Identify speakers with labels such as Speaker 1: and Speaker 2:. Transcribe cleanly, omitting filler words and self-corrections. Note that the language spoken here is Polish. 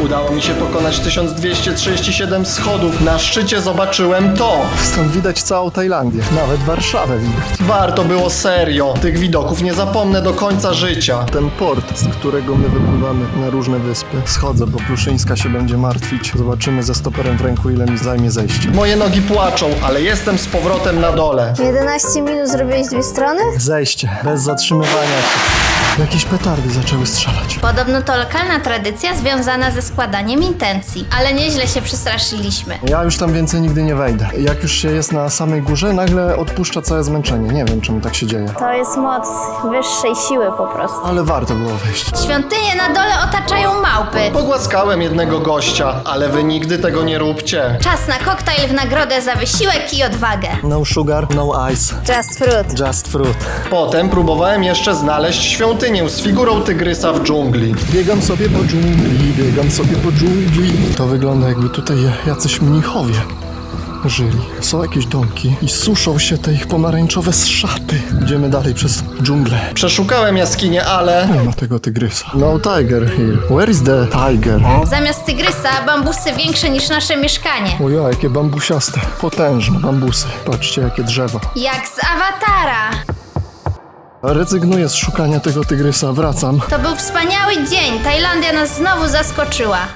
Speaker 1: Udało mi się pokonać 1237 schodów. Na szczycie zobaczyłem to. Stąd widać całą Tajlandię. Nawet Warszawę widać. Warto było, serio. Tych widoków nie zapomnę do końca życia. Ten port, z którego my wypływamy na różne wyspy. Schodzę, bo Pluszyńska się będzie martwić. Zobaczymy ze stoperem w ręku, ile mi zajmie zejście. Moje nogi płaczą, ale jestem z powrotem na dole.
Speaker 2: 11 minut zrobiłeś 2 strony?
Speaker 1: Zejście, bez zatrzymywania się. Jakieś petardy zaczęły strzelać.
Speaker 3: Podobno to lokalna tradycja związana ze składaniem intencji, ale nieźle się przestraszyliśmy.
Speaker 1: Ja już tam więcej nigdy nie wejdę. Jak już się jest na samej górze, nagle odpuszcza całe zmęczenie. Nie wiem, czemu tak się dzieje.
Speaker 2: To jest moc wyższej siły po prostu.
Speaker 1: Ale warto było wejść.
Speaker 3: Świątynie na dole otaczają małpy.
Speaker 1: Pogłaskałem jednego gościa, ale wy nigdy tego nie róbcie.
Speaker 3: Czas na koktajl w nagrodę za wysiłek i odwagę.
Speaker 1: No sugar, no ice.
Speaker 2: Just fruit.
Speaker 1: Just fruit. Potem próbowałem jeszcze znaleźć świątynię z figurą tygrysa w dżungli. Biegam sobie po dżungli, biegam sobie po dżungli. To wygląda, jakby tutaj jacyś mnichowie żyli. Są jakieś domki i suszą się te ich pomarańczowe szaty. Idziemy dalej przez dżunglę. Przeszukałem jaskinię, ale nie ma tego tygrysa. No tiger here. Where is the tiger?
Speaker 3: Zamiast tygrysa bambusy większe niż nasze mieszkanie.
Speaker 1: Oja, jakie bambusiaste. Potężne bambusy. Patrzcie, jakie drzewo.
Speaker 3: Jak z Awatara.
Speaker 1: Rezygnuję z szukania tego tygrysa, wracam.
Speaker 3: To był wspaniały dzień. Tajlandia nas znowu zaskoczyła.